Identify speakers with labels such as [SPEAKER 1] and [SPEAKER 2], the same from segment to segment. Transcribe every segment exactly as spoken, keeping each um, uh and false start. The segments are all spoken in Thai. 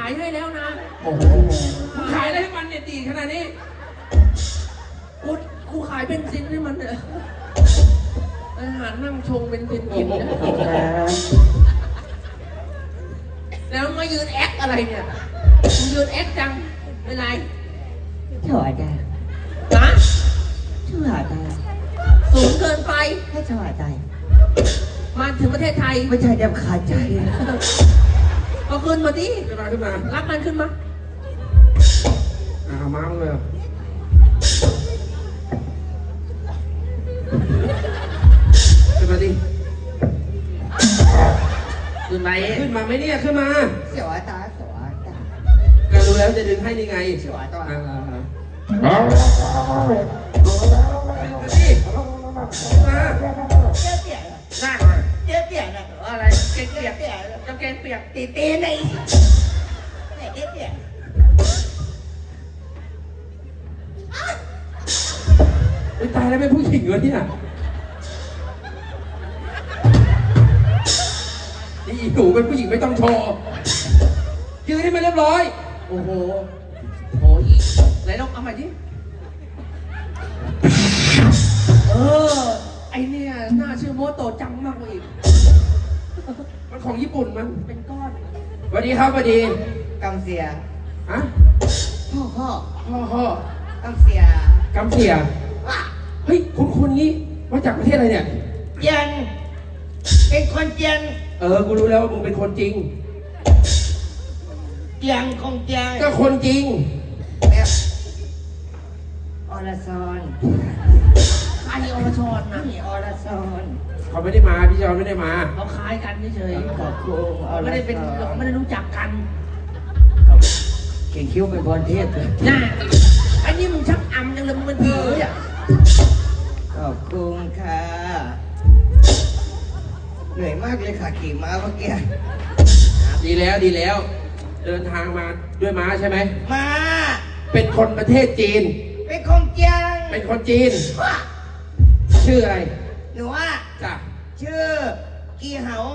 [SPEAKER 1] ายให้แล้วนะ
[SPEAKER 2] โอ้โห
[SPEAKER 1] ขายอะไรให้มันเนี่ยดีขนาดนี้กูกูขายเป็นซินให้มันเนี่ยอาหารนั่งชงเป็นซินกินนะแล้วมายืนแอคอะไรเนี่ยมึงยืนแอคจังเป็นไร
[SPEAKER 2] ถอดได้
[SPEAKER 1] นะ
[SPEAKER 2] ถอดได้
[SPEAKER 1] สูงเกินไป
[SPEAKER 2] ให้ถอดได้
[SPEAKER 1] มาถึงประเทศไทย
[SPEAKER 2] ไม่ใช่เดี๋ยวขาดใจ
[SPEAKER 1] ก็ขึ้นมาดิ
[SPEAKER 3] ขึ้นมาขึ้นมา
[SPEAKER 1] รับมันขึ้นมา
[SPEAKER 3] อ่ามาเลยขึ้นมาดิ
[SPEAKER 1] ขึ้นไหม
[SPEAKER 3] ขึ้นมาไหมเนี่ยขึ้นมา
[SPEAKER 2] เสียวตาเสียวตา
[SPEAKER 3] ก็รู้แล้วจะดึงให้ยังไง
[SPEAKER 2] เสียวตา
[SPEAKER 3] อ่า
[SPEAKER 2] อ่า
[SPEAKER 3] ดิมา
[SPEAKER 2] เจ๊เปียก
[SPEAKER 1] น่า
[SPEAKER 2] เจ๊เปียกนะ
[SPEAKER 1] อะไรเกงเปียกเปียกจะเกงเปียก
[SPEAKER 2] ตีตีในไหนเจ๊เปียก
[SPEAKER 3] ไม่ตายแล้วเป็นผู้หญิงวะเนี่ยนี่หนูเป็นผู้หญิงไม่ต้องโชว์ยืนให้มันเรียบร้อย
[SPEAKER 1] โอ้โหโอ้ยไหนลองเอาใหม่ดิเออไอเนี่ยหน้าชื่อโมโตะจังมากกว่าอีก
[SPEAKER 3] มันของญี่ปุ่นมัน
[SPEAKER 1] เป็นก้อน
[SPEAKER 3] สวัสดีครับสวัสดี
[SPEAKER 2] กำเสีย
[SPEAKER 3] ฮะ
[SPEAKER 2] พ่อพ่อ
[SPEAKER 3] พ่อพ่
[SPEAKER 2] อกำเสีย
[SPEAKER 3] กำเสียเฮ้ยคุณคุณงี้มาจากประเทศอะไรเนี่ย
[SPEAKER 2] เจียนเป็นคนเจียน
[SPEAKER 3] เออกูรู้แล้วว่ามึงเป็นคนจริง
[SPEAKER 2] เจียงคงเจียง
[SPEAKER 3] ก็คนจริง
[SPEAKER 2] แบบอรชร
[SPEAKER 1] ไออรชรนะ
[SPEAKER 2] นี่อรชร
[SPEAKER 3] เขาไม่ได้มาพี่จอนไม่ได้มา
[SPEAKER 1] เขาคล้ายกันเฉย
[SPEAKER 2] ๆขอบคุณ
[SPEAKER 1] ไม่ได้เป็นไม่ได้รู้จักกัน
[SPEAKER 2] เก่งคิ้วเป็นพรเทพเลย
[SPEAKER 1] น่าไอ้นี่มึงชักอำจังเลยมึงเป็นผีอ่ะ
[SPEAKER 2] ขอบคุณค่ะเหนื่อยมากเลยค่ะขี่ม้าเมื่อกี้
[SPEAKER 3] ดีแล้วดีแล้วเดินทางมาด้วยม้าใช่ไหม
[SPEAKER 2] ม้า
[SPEAKER 3] เป็นคนประเทศจีน
[SPEAKER 2] เป็นคนเจียง
[SPEAKER 3] เป็นคนจีนชื่ออะไร
[SPEAKER 2] หนูว่า
[SPEAKER 3] จ้ะ
[SPEAKER 2] ชื่อกีเหา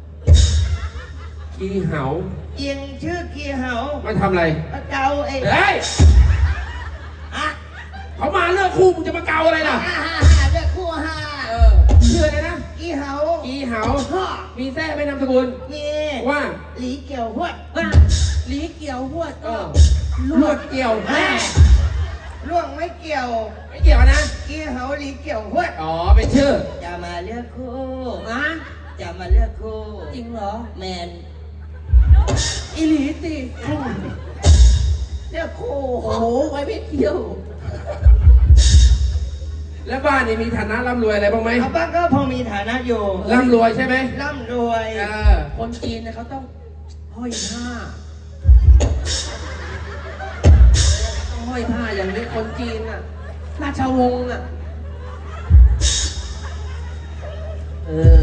[SPEAKER 3] กีเหา
[SPEAKER 2] เจียงชื่อกีเหา
[SPEAKER 3] มาทำอะไร
[SPEAKER 2] มาเกาเอง
[SPEAKER 3] เฮ้ย
[SPEAKER 2] อะ
[SPEAKER 3] เขามาเลือกคู่มึงจะมาเกาอะไรล่ะ
[SPEAKER 2] ฮ่าฮ่าฮ่าเลือกคู่ฮ่า
[SPEAKER 3] เออชื่ออะไรนะ
[SPEAKER 2] กีเหา
[SPEAKER 3] กีเหามีแท้ไม่นามสกุล
[SPEAKER 2] มี
[SPEAKER 3] ว่า
[SPEAKER 2] หลีเกี่ยวหวด
[SPEAKER 1] ว่าหลีเกี่ยวหวด
[SPEAKER 3] เออลวดเกี่ยวแม่
[SPEAKER 2] ล่วงไม่เกี่ยว
[SPEAKER 3] ไม่เกี่ยวนะ
[SPEAKER 2] กีเหาหลีเกี่ยวหวด
[SPEAKER 3] อ๋อเป็นชื่อ
[SPEAKER 2] จะมาเลือกคู่
[SPEAKER 1] อะ
[SPEAKER 2] จะมาเลือกคู่
[SPEAKER 1] จริงเหรอ
[SPEAKER 2] แมน
[SPEAKER 1] อีหลีสิ
[SPEAKER 2] เลือกคู่
[SPEAKER 1] โอ้โหไว้ไม่เกี่ยว
[SPEAKER 3] แล้วบ้านนี่มีฐานะร่ำรวยอะไรบ้างไหม
[SPEAKER 2] บ้านก็พอมีฐานะอยู่
[SPEAKER 3] ร่ำรวยใช่ไหม
[SPEAKER 2] ร่ำรวย
[SPEAKER 3] เออ
[SPEAKER 1] คนจีนเนี่ยเขาต้องห้อยผ้าต้องห้อยผ้าอย่างนี้คนจีนอ่ะราชวงศ์อ่ะเออ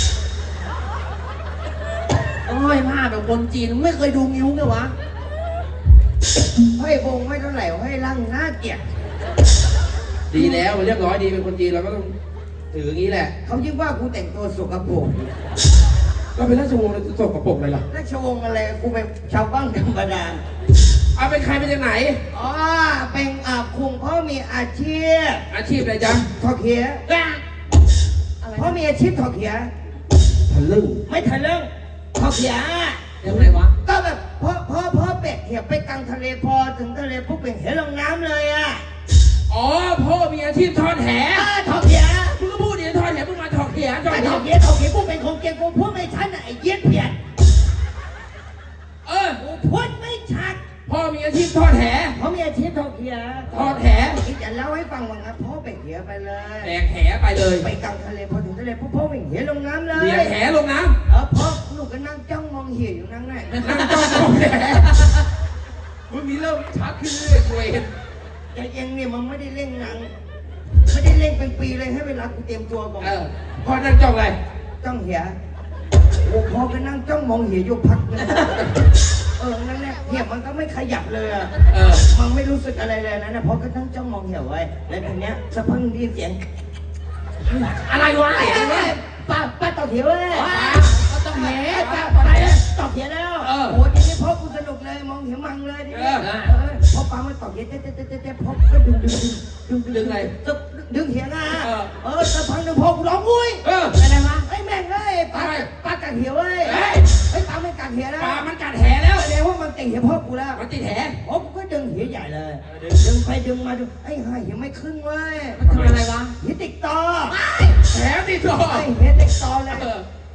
[SPEAKER 1] ต้องห้อยผ้าแบบคนจีนไม่เคยดูงิ้วไงวะ
[SPEAKER 2] ห้อยวงไม่เท่าไหร่ห้อยร่างหน้าเกลียด
[SPEAKER 3] ดีแล้วเรียบร้อยดีเป็นคนจีนเราก็ต้องถืออย่างนี้แหละ
[SPEAKER 2] เขายิ่งว่ากูแต่งตัวสกปรก
[SPEAKER 3] ก็เป็นราชวงศ์สกปรกเลยล่ะ
[SPEAKER 2] ราชวงศ์อะไรกูเป็นชาวบ้านธรรมดา
[SPEAKER 3] เอาเป็นใครเป็นจากไหน
[SPEAKER 2] อ๋อเป็นอาคุงพ่อมีอาชีพ
[SPEAKER 3] อาชีพอะไรจ๊ะ
[SPEAKER 2] ถอดเขียพ่อมีอาชีพถอดเขีย
[SPEAKER 3] ทะลึ่ง
[SPEAKER 2] ไม่ทะลึ่งถอดเขีย
[SPEAKER 1] ยังไงวะ
[SPEAKER 2] ก็แบบพ่อพ่อพ่อเป็ดเขียไปกลางทะเลพอถึงทะเลปุ๊บเป็นเห็นลงน้ำเลยอ่ะ
[SPEAKER 3] อ๋อพ่อมีอาชีพทอดแห
[SPEAKER 2] ถอดเขีย
[SPEAKER 3] มึงก็พูดดิทอดแหมึงมาถอดเขีย
[SPEAKER 2] ถอดเขียถอดเขียกูเป็นคนเก่งกูพูดไม่ชัดไอ้เย็ดเพี้ยน
[SPEAKER 3] เออ
[SPEAKER 2] กูพูดไม่ชัด
[SPEAKER 3] พ่อมีอาชีพทอดแห
[SPEAKER 2] พ่อมีอาชีพถอดเขีย
[SPEAKER 3] ทอดแห
[SPEAKER 2] ที่จะเล่าให้ฟังว่างั้นพ่อไปเขียไปเลย
[SPEAKER 3] แบกแหไปเลย
[SPEAKER 2] ไปกลางทะเลพอถึงทะเลปุ๊บพ่อเป็นเหียลงน้ำเลย
[SPEAKER 3] เหียแหลงน้
[SPEAKER 2] ำเออพ่อหนูก็นั่งจ้องมองเหียอยู่นั่งไหน
[SPEAKER 3] นั่งจ้องมองแหมึงมีเริ่มชัดขึ้นเรื่อยๆเห็น
[SPEAKER 2] แต่ยังเนี่ยมันไม่ได้เล่นหนังไม่ได้เล่นเป็นปีเลยให้เวลากูเตรียมตัวก่อน
[SPEAKER 3] เออพ่อนั่งจ้องอะไร
[SPEAKER 2] จ้องเหียโอ้พ่อก็นั่งจ้องมองเหียอยู่พักนึงเออนั่นแหละเหียมันก็ไม่ขยับเลยอ่ะ
[SPEAKER 3] เออ
[SPEAKER 2] มันไม่รู้สึกอะไรเลยนะนะพ่อก็นั่งจ้องมองเหียไว้แล้วทีเนี้ยสักพักได้ยินเสียง
[SPEAKER 1] อะไรวะ
[SPEAKER 2] ป้าป้าต่อเถียวเลย
[SPEAKER 1] ป้าต้องแห
[SPEAKER 2] ป้าต่อไหนต่อเถียวแล้วโอ้ทีนี้พ่อกูสนุกเลยเลยมองเห็นมังเลยดิ
[SPEAKER 3] เออ
[SPEAKER 2] เออพอปลามันตอกเย็ดเจ๊เจ๊เจ๊เจ๊พอก็ดึงดึงดึงดึง
[SPEAKER 1] ดึงอะไร
[SPEAKER 2] ดึงดึงเหียงอ่ะ
[SPEAKER 3] เออ
[SPEAKER 2] เออสักพักหนึ่งพอกูร้องอุ้ย
[SPEAKER 3] เออ
[SPEAKER 1] อะไรวะ
[SPEAKER 2] ไอ้แม่งเอ้ยปลา
[SPEAKER 3] อะไร
[SPEAKER 2] ปลากัดเหี่ยวเว้ย
[SPEAKER 3] เฮ้ย
[SPEAKER 2] ไอ้ปลาไม่กัดเหี่ยวนะ
[SPEAKER 3] ปลามันกัดแหแล้ว
[SPEAKER 2] แสดงว่ามันติดเหี่ยวพ่อกูแล้ว
[SPEAKER 3] มันติดแห
[SPEAKER 2] โอ้กูก็ดึงเหี่ยวใหญ่เลยดึงไปดึงมาดึงไอ้ห่าเหี่ยวไม่ขึ้นเว้ย
[SPEAKER 1] มันทำอะไรวะ
[SPEAKER 2] เหี่ยวติดต่อ
[SPEAKER 3] แหติดต่อ
[SPEAKER 2] ไอ้เหี่ยวติดต่อเลย
[SPEAKER 3] เออ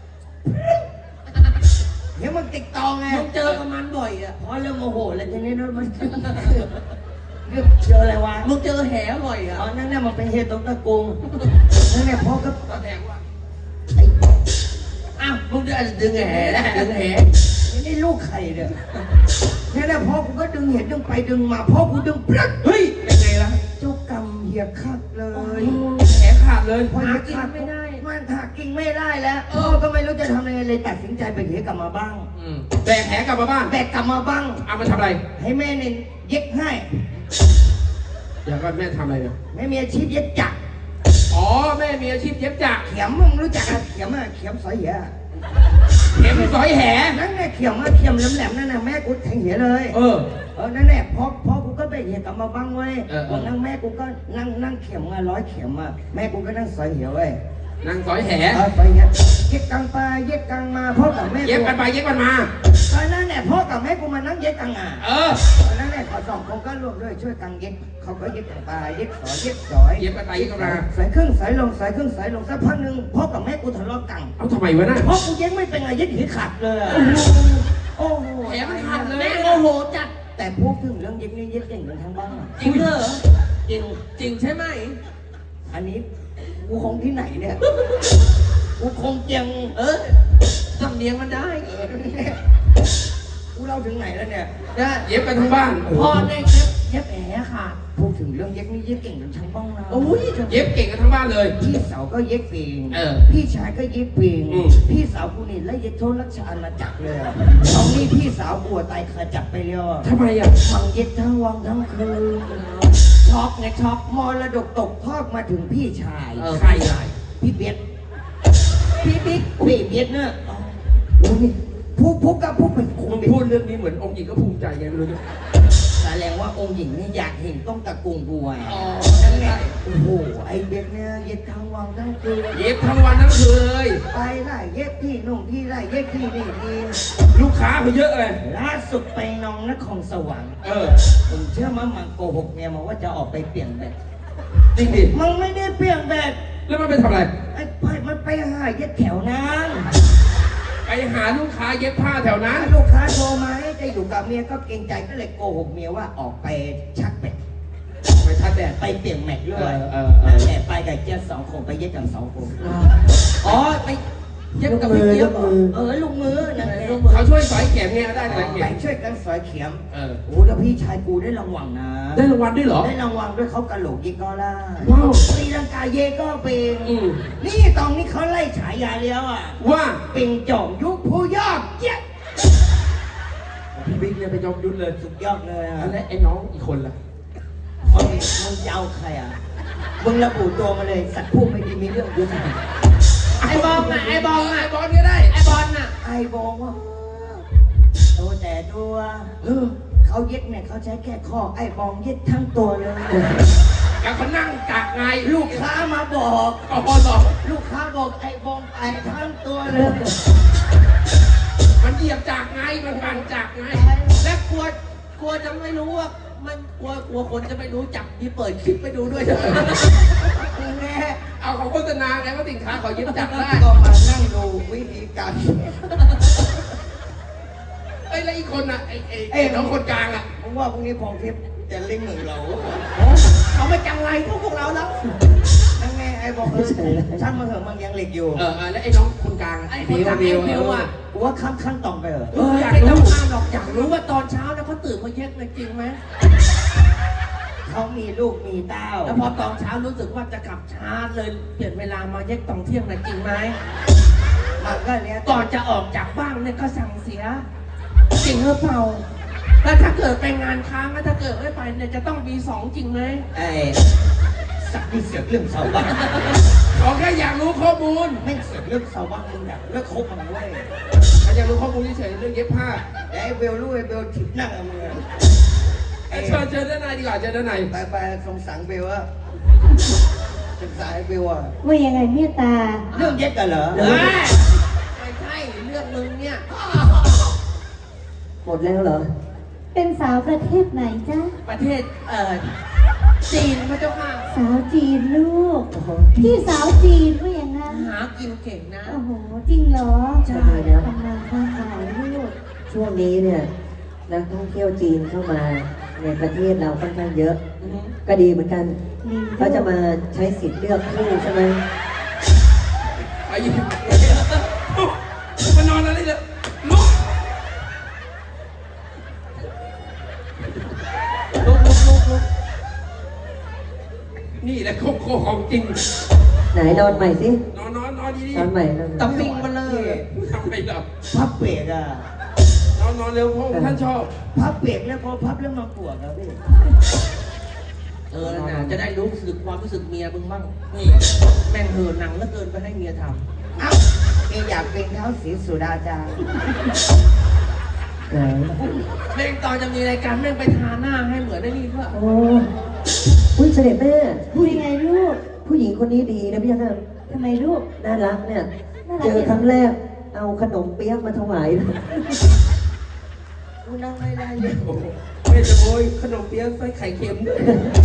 [SPEAKER 2] เหี่ยวมันติดต่อไง
[SPEAKER 1] มึงเจอกับมันบ่อยอ่ะ
[SPEAKER 2] พอเริ่มโมโหแล้วทีนี้นะมันเริ่มเจออะไรวะ
[SPEAKER 1] มึงเจอแหบ่อยอ่ะ
[SPEAKER 2] อ๋อนั่นน่ะมันเป็นเหี่ยวตรงตะกุงนั่นแหละพ่อก็
[SPEAKER 3] แสดงว่า
[SPEAKER 2] ไอ้
[SPEAKER 1] อ้าวมึงจะดึงแหนะดึงแห
[SPEAKER 2] นี่ลูกใครเนี่ยนั่นแหละพ่อกูก็ดึงเหี่ยวดึงไปดึงมาพ่อกูดึงปลั๊ด
[SPEAKER 3] เฮ้ยเป็นไงล่ะ
[SPEAKER 2] เจ้ากรรมเหี่ยวคักเลย
[SPEAKER 3] แหขาดเลย
[SPEAKER 2] พอเหี่ยวขาดมันถักกิ่งไม่ได้แล้วพ่อก็ไม่รู้จะทำยังไงเลยตัดสินใจไปเหี่ยวกลับมาบ้าง
[SPEAKER 3] อืมแบกแหกลับมาบ้าน
[SPEAKER 2] แบกกลับมาบ้าง
[SPEAKER 3] เอามาทำอะไร
[SPEAKER 2] ให้แม่เนี่ยเย็บให้
[SPEAKER 3] อยากว่าแม่ทำอะไรเนี่ย
[SPEAKER 2] แม่มีอาชีพเย็บจักร
[SPEAKER 3] อ๋อแม่มีอาชีพเย็บจักร
[SPEAKER 2] เข็มมึงรู้จักอะเข็มอะเข็มสอยเหี่ย
[SPEAKER 3] เข็มสอยแห
[SPEAKER 2] นั่นแหละเข็มอะเข็มแหลมๆนั่นน่ะแม่กูแทงเหี่ยเลย
[SPEAKER 3] เออ
[SPEAKER 2] เออนั่นแหละพ่อพ่อกูก็ไปเหี่ยกลับมาบ้างเว้ย
[SPEAKER 3] เออเออ
[SPEAKER 2] วันนั้นแม่กูก็นั่งนั่งเข็มอะร้อยเข็มอะแม่กูก็นั่งสอยเหี่ยเว้ย
[SPEAKER 3] นางสอยแห
[SPEAKER 2] เออสอยเหี่ยเย็บกลางไปเย็บกลางมาพ่อกับแม่
[SPEAKER 3] เย็บกันไปเย็บกันมา
[SPEAKER 2] ตอนนั้นแหละพ่อกับแม่กูมานั่งเย็บกลางอ่ะ
[SPEAKER 3] เออ
[SPEAKER 2] ตอนนั้นแหละเขาสองคนก็ร่วมด้วยช่วยกันเย็บเขาก็เย็บกลางไปเย็บสอยเย็บสอย
[SPEAKER 3] เย็บกันไปเย็บกันมา
[SPEAKER 2] สายครึ่งสายลงสายครึ่งสายลงสักพักหนึ่งพ่อกับแม่กูทะเลาะกัน
[SPEAKER 3] เอาทำไมวะน่ะ
[SPEAKER 2] พ่อกูเย็บไม่เป็นไงเย็บหีขาดเลยอะโอ้โห
[SPEAKER 1] แหมันขาดเลยแม่โมโหจัด
[SPEAKER 2] แต่พูดถึงเรื่องเย็บนี่เย็บเก่งกันทั้งบ้านอะ
[SPEAKER 1] จริงเหรอ
[SPEAKER 2] จริง
[SPEAKER 1] จริงใช่ไหม
[SPEAKER 2] อันนี้กูคงที่ไหนเนี่ยกูคงเจียง
[SPEAKER 1] เออสำเนียงมันได้
[SPEAKER 2] เออกูเล่าถึงไหนแล้วเนี่ย
[SPEAKER 1] นะ
[SPEAKER 3] เย็บกันทั้งบ้าน
[SPEAKER 1] พ่อเนี่ยเย็บเย็บแหขาด
[SPEAKER 2] พูดถึงเรื่องเย็บนี่เย็บเก่งกันทั้งบ้านนะ
[SPEAKER 1] โอ้ย
[SPEAKER 3] เย็บเก่งกันทั้งบ้านเลย
[SPEAKER 2] พี่สาวก็เย็บเก่ง
[SPEAKER 3] เออ
[SPEAKER 2] พี่ชายก็เย็บเก่ง
[SPEAKER 3] อืม
[SPEAKER 2] พี่สาวกูนี่ไล่เย็บโทษรัชอาณาจักรเลยอะตอนนี้พี่สาวกูอะตายขาจับไปแล้วอะ
[SPEAKER 3] ทำไมอ่ะ
[SPEAKER 2] ฟังเย็ดทั้งวันทั้งคืน
[SPEAKER 1] ช็อกไงช็อก
[SPEAKER 2] มรดกตกทอดมาถึงพี่ชาย
[SPEAKER 1] เออ
[SPEAKER 3] ใครใหญ่
[SPEAKER 2] พี่เบียดพี่บิ๊กพี่เบียดเนี่ยโอ้ยผู้ผู้กับผู้เป็นค
[SPEAKER 3] มึ
[SPEAKER 2] ง
[SPEAKER 3] งพูดเรื่องนี้เหมือนองค์หญิงก็ภูมิใจไงไม่รู้เนี่ย
[SPEAKER 2] แสดงว่าองค์หญิงนี่อยากเห็นต้องตะกุงบัว
[SPEAKER 1] อ๋อ
[SPEAKER 2] นั่นแหละโอ้โหไอเบียดเนี่ยเย็ดทั้งวันทั้งคืน
[SPEAKER 3] เย็บทั้งวันทั้งคืนเลย
[SPEAKER 2] ไปไล่เย็ดที่นุ่งที่ไล่เย็ดที่นี่นี่
[SPEAKER 3] ลูกค้าเขาเยอะเลย
[SPEAKER 2] ล่าสุดไปนองนครสวรรค์
[SPEAKER 3] เออ
[SPEAKER 2] ผมเชื่อมั้ยมันโกหกเมียมาว่าจะออกไปเปลี่ยนแบต
[SPEAKER 3] จริงดิ
[SPEAKER 2] มันไม่ได้เปลี่ยนแบต
[SPEAKER 3] แล้วมันไปทำอะไร
[SPEAKER 2] ไอ้ไปมันไปหาเย็ดแถวนั้น
[SPEAKER 3] ไปหาลูกค้าเย็บผ้าแถวนั้น
[SPEAKER 2] ลูกค้าโทรมาให้จะอยู่กับเมียก็เกรงใจก็เลยโกหกเมียว่าออกไปชักแบต
[SPEAKER 3] ไปทัดแดด
[SPEAKER 2] ไปเปลี่ยนแม็กด้วย
[SPEAKER 3] เออเออเออ
[SPEAKER 2] นั่นแหละไปกับเจ๊สองคนไปเย็ดกันสองคน
[SPEAKER 1] อ๋อไปเย็บกับพี่เจี๊ยบเหรอ
[SPEAKER 2] เออลูกมือนั่นแหละ
[SPEAKER 3] เขาช่วยสอยเข็มไงได้สอยเข็
[SPEAKER 2] ไป
[SPEAKER 3] ม
[SPEAKER 2] ช่วยกันสอยเข็ม
[SPEAKER 3] เออ
[SPEAKER 2] โอ้แล้วพี่ชายกูได้รางวัลนะ
[SPEAKER 3] ได้รางวัลด้วยเหรอ
[SPEAKER 2] ได้รางวัลด้วยเขากระโหลกยิงก็ล่า
[SPEAKER 3] ว้าว
[SPEAKER 2] ตีลังกาเยก็เป็น
[SPEAKER 3] อืม
[SPEAKER 2] นี่ตอนนี้เขาไล่ฉายาแล้วอ่ะ
[SPEAKER 3] ว่า
[SPEAKER 2] เป็นจอมยุคผู้ยอดเยี่ยม
[SPEAKER 3] พี่บิ๊กเนี่ยไปยอมยุทธเลย
[SPEAKER 2] สุดยอดเลยอ่ะ
[SPEAKER 3] แล้วไอ้น้องอีกคนล่ะ
[SPEAKER 2] มึงมึงจะเอาใครอ่ะมึงระบุตัวมาเลยสัตว์ผู้ไม่ดีมีเรื่องยุทธ
[SPEAKER 1] ไอ้บอลน่ะไอ้บอลน่ะ
[SPEAKER 3] ไอ้บอลก็ได้
[SPEAKER 1] ไอ้บอลน่ะ
[SPEAKER 2] ไอ้บอกว่าโตแต่ตัว
[SPEAKER 3] เออ
[SPEAKER 2] เขาเย็ดเนี่ยเขาใช้แค่ข้อไอ้บองเย็ดทั้งตัวเลย
[SPEAKER 3] กับเขานั่งกากไง
[SPEAKER 2] ลูกค้ามาบอก
[SPEAKER 3] อ๋อต่อ
[SPEAKER 2] ลูกค้าบอกไอ้บองไปทั้งตัวเลย
[SPEAKER 3] มันเหยียบจากไง มันปั่นจากไง
[SPEAKER 1] และกลัวกลัวจะไม่รู้ว่ามันกลัวกลัวคนจะไม่รู้จักมีเปิดคลิปไปดูด้วยใช่ไหม
[SPEAKER 2] แน่
[SPEAKER 3] เอาเขาโฆษณาไงว่าสินค้าเขาเย็บจักได้
[SPEAKER 2] ก็มานั่งดูวิธีการ
[SPEAKER 3] เอ้ยแล้วอีกคนอ่ะไอ้ไอ้ไอ้น้องคนกลางอ่ะ
[SPEAKER 2] ผมว่าพรุ่งนี้พองทิพย์จะเล่งเหมือนเรา
[SPEAKER 1] เขาไม่จังไรพวกพวกเราแล้ว
[SPEAKER 2] นั่นไงไอ้บอกเออช่างมาเถอะมันยังเหล็กอยู่
[SPEAKER 3] เออเออแล้วไอ้น้องคนกลางอะ
[SPEAKER 1] ไอ้
[SPEAKER 3] ไอ้
[SPEAKER 1] คน
[SPEAKER 3] บิว
[SPEAKER 1] กลาง
[SPEAKER 3] บิว
[SPEAKER 1] ไอ้บิวอะ
[SPEAKER 2] กูว่าขั้นขั้นต่อไปเหรอ
[SPEAKER 1] เอออยากรู้อ้ามหรอกอยากรู้ว่าตอนเช้าเนี่ยเขาตื่นมาเย็ดเลยจริงไหม
[SPEAKER 2] เขามีลูกมีเต้า
[SPEAKER 1] แล้วพอตอนเช้ารู้สึกว่าจะกลับช้าเลยเปลี่ยนเวลามาเย็ดตอนเที่ยงเลยจริงไหม
[SPEAKER 2] มันก็เนี้ย
[SPEAKER 1] ก่อนจะออกจากบ้านเนี่ยก็สั่งเสียจริงหรือเปล่าแล้วถ้าเกิดไปงานค้างแล้วถ้าเกิดไม่ไปเนี่ยจะต้องมีสองจริงไหม
[SPEAKER 2] ไอ้สสักนี่เสียเรื่องชาวบ้าน
[SPEAKER 3] เขาแค่อยากรู้ข้อมูล
[SPEAKER 2] แม่งเสียเรื่องชาวบ้านมึงแบบเลิกคบมันเว้ย
[SPEAKER 3] เขาอยากรู้ข้อมูลเฉยๆเรื่องเย็บผ้า
[SPEAKER 2] ไอ้เบลรู้ไอ้เบลถิบหน้ามึงอะ
[SPEAKER 3] เอ้ยเชิญเชิญด้านในดีกว่าเชิญด้านใน
[SPEAKER 2] ไปไปสงสารเบลอะสงสารไอ้เบลอะ
[SPEAKER 4] ว่ายังไงเมตตา
[SPEAKER 2] เรื่องเย็ดกันเหรอ
[SPEAKER 1] เฮ้ยไม่ใช่เรื่องมึงเนี่ย
[SPEAKER 5] หมดแล้วเหรอ
[SPEAKER 4] เป็นสาวประเทศไหนจ๊ะ
[SPEAKER 1] ประเทศเอ่อจีนพระเจ้าค่ะ
[SPEAKER 4] สาวจีนลูก พี่สาวจีนว่าอย่างนั้น
[SPEAKER 1] หากินเก่งนะ
[SPEAKER 4] โอ้โห จริงเหรอ
[SPEAKER 5] ใช่แล้ว
[SPEAKER 4] ทำงานค้าขายลูก
[SPEAKER 5] ช่วงนี้เนี่ยนักท่องเที่ยวจีนเข้ามาในประเทศเราค่อนข้างเยอะ
[SPEAKER 1] อือฮึ
[SPEAKER 5] ก็ดีเหมือนกัน
[SPEAKER 4] ดี
[SPEAKER 5] เขาจะมาใช้สิทธิ์เลือกคู่ใช่ไหม
[SPEAKER 3] ไปยิงมานอนอะไรเนี่ยลุก
[SPEAKER 1] ลุกลุกลุกลุก
[SPEAKER 3] นี่แหละโคโคของจริง
[SPEAKER 5] ไหนนอนใหม่สิ
[SPEAKER 3] นอนนอนนอนดี
[SPEAKER 5] นอนใหม่นอนใหม่
[SPEAKER 1] ตะปิงมาเลย
[SPEAKER 3] ๆทำไมล่ะ
[SPEAKER 2] พับเบรกอะ
[SPEAKER 3] นอนนอนเร็วเพราะท่านชอบ
[SPEAKER 2] พับเบรกแล้วพอพับแล้วมาปวดครับพี่
[SPEAKER 1] เออน่ะจะได้รู้สึกความรู้สึกเมียมึงบ้างนี่แม่งเหินหนังแล้วเกินไปให้เมียท
[SPEAKER 2] เอ้าเองอยากเป็นเท้าสีสุดาจารย์
[SPEAKER 5] ไหน
[SPEAKER 1] ำเพลงตอนจะมีรายการแม่งไปทาหน้าให้เหมือนได้นี่เพื่อ
[SPEAKER 5] โอ้อุ้ยเสด็จแม่
[SPEAKER 4] พูดยังไงลูก
[SPEAKER 5] ผู้หญิงคนนี้ดีนะพี่ยักษ์
[SPEAKER 4] ทำไมลูก
[SPEAKER 5] น่ารักเนี่ย
[SPEAKER 4] น่ารัก
[SPEAKER 5] เจอครั้งแรก เอาขนมเปี๊ยกมาถวายเลย
[SPEAKER 2] กูนั่งไม่ได้เลย
[SPEAKER 3] โอ้โหไม่จะโวยขนมเปี๊ยะไส้ไข่เค็มด้วย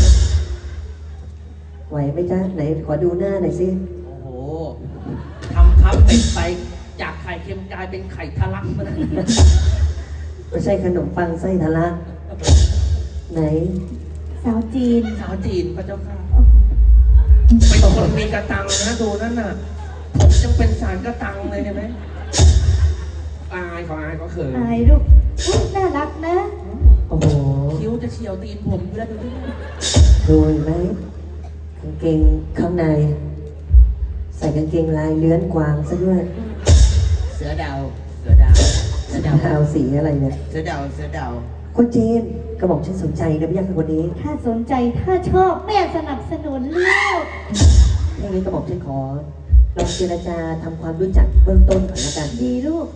[SPEAKER 5] ไหวไหมจ๊ะไหนขอดูหน้าหน่อยสิ
[SPEAKER 1] โอ้โหทำทับเป็ดไปจากไข่เค็มกลายเป็นไข่ทะลักมาเลย
[SPEAKER 5] ไม่ใช่ขนมปังไส้ทะลักไหน
[SPEAKER 4] สาวจีน
[SPEAKER 1] สาวจีนพระเจ้าค่ะเป็นคนมีกระตังนะดูนั่นน่ะผมยังเป็นสารกระตังเลยเห็นไหม
[SPEAKER 3] อายเขาอายเขาเขิน
[SPEAKER 4] อายลูกอุ๊ยน่ารักนะ
[SPEAKER 5] โอ้โห
[SPEAKER 1] คิ้วจะเฉียวตีนผมอยู่แล้วดูดิ
[SPEAKER 5] ดูเห็นไหมกางเกงข้างใน ใส่กางเกงลายเลื้อนกวางซะด้วย
[SPEAKER 2] เสือดาว
[SPEAKER 1] เสือดาวเสือดาว
[SPEAKER 5] เอาสีอะไรเนี่ย
[SPEAKER 2] เสือดาวเสือดาว
[SPEAKER 5] คนจีนกระบอกฉันสนใจนะพี่ยักษ์คนนี้
[SPEAKER 4] ถ้าสนใจถ้าชอบแม่สนับสนุนลูก
[SPEAKER 5] ถ้าอย่างนี้กระบอกฉันขอลองเจรจาทำความรู้จักเบื้องต้นก่อนละกัน
[SPEAKER 4] ดีลูก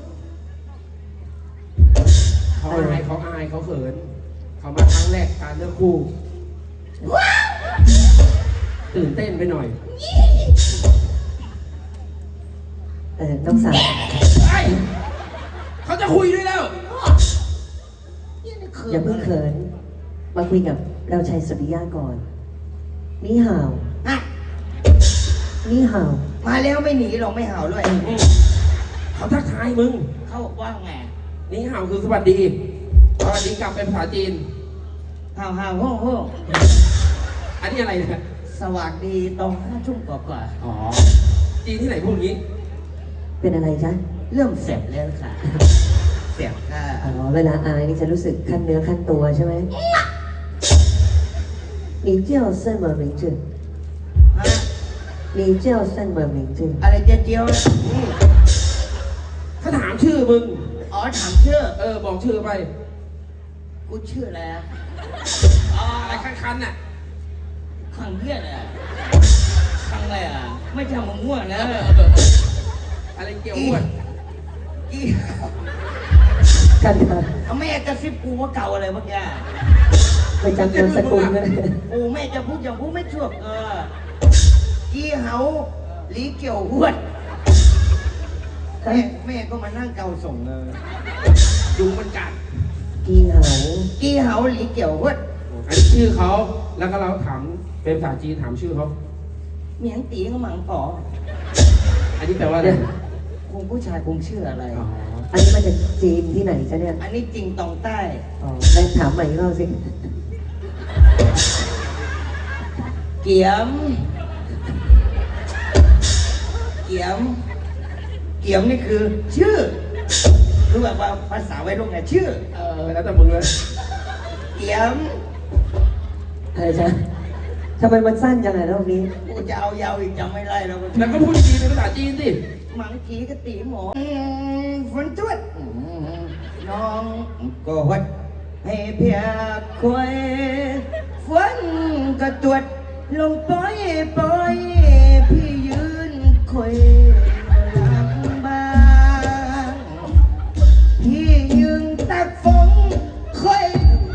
[SPEAKER 3] เขาอายเขาอายเขาเขิน เขามาครั้งแรกการเลือกคู่ ตื่นเต้นไปหน่อย
[SPEAKER 5] เออน้องสาว
[SPEAKER 3] ไอ้เขาจะคุยด้วยแล้ว
[SPEAKER 5] อย่าเพิ่งเขิน มาคุยกับเราชัยสุริยะก่อน นี่ห่าว
[SPEAKER 2] อ่ะ
[SPEAKER 5] นี่ห่าว
[SPEAKER 2] มาแล้วไม่หนีหรอกไม่เห่าด้วย
[SPEAKER 3] เขาทักทายมึง
[SPEAKER 2] เขาบอกว่าไง
[SPEAKER 3] นี่ห่าวคือสวัสดี สวัสดีกลับเป็นภาษาจีน
[SPEAKER 2] เห่าเห่าโฮ่โฮ่
[SPEAKER 3] อันนี้อะไรเนี่ย
[SPEAKER 2] สวัสดีตรงห้าทุ่มกว่า
[SPEAKER 3] อ๋อ จีนที่ไหนพูดอย่างนี้
[SPEAKER 5] เป็นอะไรจ๊ะ
[SPEAKER 2] ๆเริ่มเสร็จแล้วค่ะเสร็จค่ะ
[SPEAKER 5] อ๋อ เวลาอายนี่จะรู้สึกขั้นเนื้อขั้นตัวใช่ไหม你叫什么名字
[SPEAKER 2] ฮะ
[SPEAKER 5] 你叫什么名字
[SPEAKER 2] อะไรเจียวเจียวๆอืม
[SPEAKER 3] เขาถามชื่อมึง
[SPEAKER 2] อ๋อถามชื่อ
[SPEAKER 3] เออ บอกชื่อไป
[SPEAKER 2] กูชื่ออะไรอะ
[SPEAKER 3] อ๋ออะไรคันๆน่ะ
[SPEAKER 2] ขังเพื่อนอะขังอะไรอะไม่ใช่มึงง่วงนะ
[SPEAKER 3] อะไรเกี่ยวอ้วน
[SPEAKER 2] อี
[SPEAKER 5] กันค่ะ
[SPEAKER 2] เอาแม่กระซิบกูว่าเก่าอะไรเมื่อกี้
[SPEAKER 5] ไปจำนามสกุลนะ
[SPEAKER 2] กูแม่จะพูดอย่างพูดไม่ชั่วเออกีเหาหลีเกี่ยวหวดแม่แม่ก็มานั่งเกาส่งเลย
[SPEAKER 3] ยุงมันกัด
[SPEAKER 5] กีเหา
[SPEAKER 2] กีเหาหลีเกี่ยวหวด
[SPEAKER 3] อันนี้ชื่อเขา แล้วก็เราถาม เป็นภาษาจีนถามชื่อเขา
[SPEAKER 2] เมียงตีก็หมังก่อ
[SPEAKER 3] อันนี้แปลว่าอะไร
[SPEAKER 2] คงผู้ชายคงชื่ออะไร
[SPEAKER 3] อ๋อ
[SPEAKER 5] อันนี้มาจากจีนที่ไหนจ๊ะเนี่ย
[SPEAKER 2] อันนี้จริงตองใต้
[SPEAKER 5] อ๋อได้ถามใหม่อีกรอบสิ
[SPEAKER 2] เกียม เกียม เกียมนี่คือ ชื่อ คือแบบว่าภาษาวัยรุ่นไงชื่อ
[SPEAKER 3] เออแล้วแต่มึงเลย
[SPEAKER 2] เกียม
[SPEAKER 5] อะไรจ๊ะทำไมมันสั้นจังเลยรอบนี้
[SPEAKER 2] กูจะเอายาวอีกจำไม่ได้แล้ว
[SPEAKER 3] แล้วก็พูดจีนเป็นภาษาจีนสิ
[SPEAKER 2] หมังกีกะตีหมออืมฝนจวดอืมน้องก็วัดให้เพียกควยฝนก็ตรวจลงปล่อยปล่อยพี่ยืนคอยลำบากพี่ยืนตักฝนคอย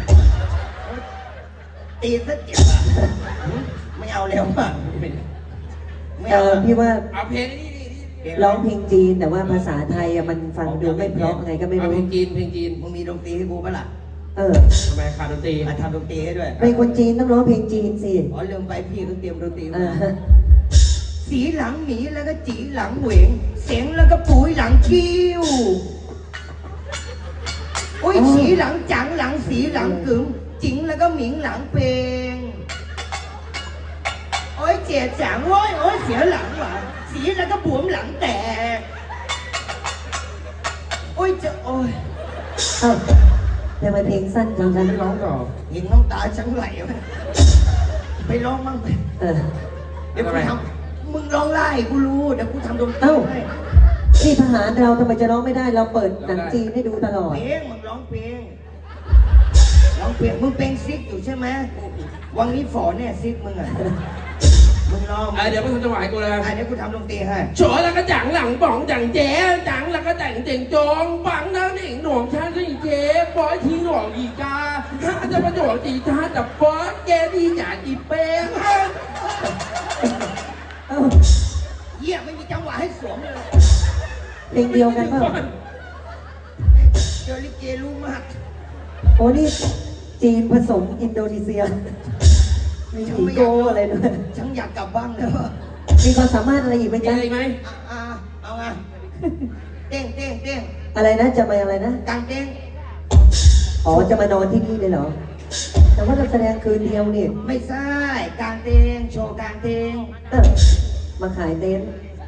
[SPEAKER 2] ตีซะเจ็บอ่ะไม่เอาแล้วอ่ะไม่
[SPEAKER 5] เอ
[SPEAKER 2] เอา
[SPEAKER 5] อ
[SPEAKER 2] อะ
[SPEAKER 5] พี่ว่า
[SPEAKER 1] เอาเพลงนี่นี่นี่
[SPEAKER 5] ร้องเพลงจีนแต่ว่าภาษาไทยอะมันฟังดูไม่เพราะไงก็ไม่
[SPEAKER 1] เอา
[SPEAKER 5] รู้
[SPEAKER 1] เพลงจีนเพลงจีน
[SPEAKER 2] มึงมีดนตรีให้กูปะล่ะ
[SPEAKER 5] เออ
[SPEAKER 1] ทำไมขาดดนตรี
[SPEAKER 2] มาทำดนตรีให้ด้วย
[SPEAKER 5] เป็นคนจีนต้องร้องเพลงจีนสิ
[SPEAKER 2] อ๋อลืมไปพี่ก็เตรียมดนตรี
[SPEAKER 5] เอ
[SPEAKER 2] มา
[SPEAKER 5] อ
[SPEAKER 2] สีหลังหมีแล้วก็จีหลังเหวงเสียงแล้วก็ปุ๋ยหลังคิ้วโอ้ยสีหลังจังหลังสีหลังกึ๋มจิงแล้วก็หมิงหลังเพลงโอ้ยเจียจังโอ้ยโอ้ยเสียหลังว่ะสีแล้วก็บวมหลังแตกโอ้ยจะโอ้ย
[SPEAKER 5] เอ้าทำไมเพลงสั้นจังกัน
[SPEAKER 1] ไม่ร้องต่อ
[SPEAKER 2] เห็นน้ำตาฉันไหลไหมไปร้องมั่งไป
[SPEAKER 5] เออ
[SPEAKER 2] เดี๋ยวกูทำมึงร้องไล่กูรู้เดี๋ยวกูทำดนตรี
[SPEAKER 5] เอ้า
[SPEAKER 2] ให้
[SPEAKER 5] นี่ทหารเราทำไมจะร้องไม่ได้เราเปิดหนังจีนให้ดูตลอด
[SPEAKER 2] เพลงมึงร้องเพลงร้องเพลงมึงเป็นซิกอยู่ใช่ไหมวังนี้ฝอเนี่ยซิกมึงอ่ะมึงร้อง
[SPEAKER 1] อ่ะเดี๋ยวไปทำจังหวะให้กูเลย
[SPEAKER 2] อ่ะเดี๋ยวกูทำดนตรีให้
[SPEAKER 1] โฉแล้วก็จังหลังป๋องจังเจ๊จังแล้วก็แต่งเจ๋งจงปังน้ำหนิงหน่วงชาสิเจ๊ปอยทีหน่วงอีกาถ้าจะประโยชน์จีท่าจับป๊อกแกดีจ่าจีเป้ง
[SPEAKER 5] เอ้า
[SPEAKER 2] เยี่ยไม่มีจังหวะให้สวมเลย
[SPEAKER 5] เพลงเดียวกันเปล่า
[SPEAKER 2] เจอลิเกรู้มาก
[SPEAKER 5] โอ้นี่จีนผสมอินโดนีเซีย มีผีโกอะไรด้วย
[SPEAKER 2] ฉันอยากกลับบ้านแล้ว
[SPEAKER 5] มีความสามารถอะไรอีกไหม
[SPEAKER 1] มี
[SPEAKER 5] จ๊ะ
[SPEAKER 1] อะไรไหม
[SPEAKER 2] อ่ะอ่ะเอาไงเต้งเต้งเต้ง
[SPEAKER 5] อะไรนะจะมาอะไรนะ
[SPEAKER 2] กางเต้ง
[SPEAKER 5] อ๋อจะมานอนที่นี่เลยเหรอ แต่ว่าเราแสดงคืนเดียวนี่
[SPEAKER 2] ไม่ใช่กางเต้งโชว์กางเต้ง
[SPEAKER 5] เออมาขายเต็นท์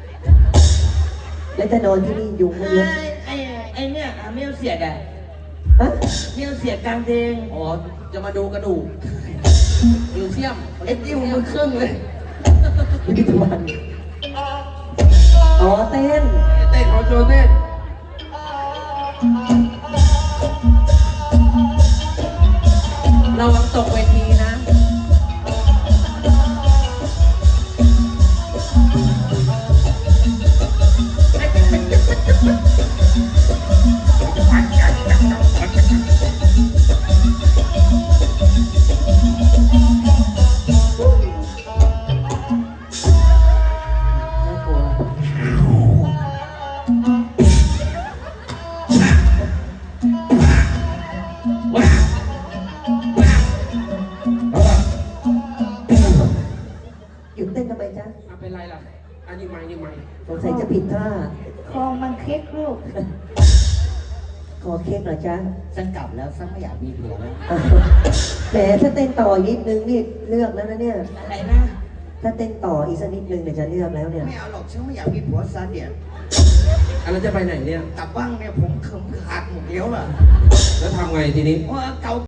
[SPEAKER 5] แล้วจะนอนที่นี่ยุงไม่เยอะ
[SPEAKER 2] ไอ้ไอ้ไอ้เนี่ยอ่ะเมียวเสียดอ่ะ
[SPEAKER 5] ฮะ
[SPEAKER 2] เมียวเสียดกางเต้ง
[SPEAKER 1] อ๋อจะมาดูกระดูกมิวเซียม
[SPEAKER 2] ไอ้จิ้วมึงครึ่งเลย
[SPEAKER 5] พิพิธภัณฑ์อ๋อเต้น
[SPEAKER 1] เต้นเขาโชว์เต้นระวังตกเวทีนะ
[SPEAKER 5] น่ากลัว หยุดเต้นทำไมจ๊ะ
[SPEAKER 1] อ่ะเป็นไรล่ะ อันนี้ไม่นี่ไม่
[SPEAKER 5] สงสัยจะผิดท่า
[SPEAKER 4] คอมันเค้กลูก
[SPEAKER 5] ขอเค้กเหรอจ๊ะ
[SPEAKER 2] ฉันกลับแล้วฉันไม่อยากมีผัวแล้ว
[SPEAKER 5] อ้าวแหมถ้าเต้นต่ออีกนิดนึงนี่เลือกแล้วนะเนี่ย
[SPEAKER 2] อะไรนะ
[SPEAKER 5] ถ้าเต้นต่ออีกสักนิดนึงเนี่ยจะเลือกแล้วเนี่ย
[SPEAKER 2] ไม่เอาหรอกฉันไม่อยากมีผัวซะเดียว
[SPEAKER 1] อันนั้นจะไปไหนเนี่ย
[SPEAKER 2] กลับบ้านเนี่ยผมเขิมขาดหมดแล้วล่ะ
[SPEAKER 1] แล้วทำไงทีนี้
[SPEAKER 2] ว่าเกา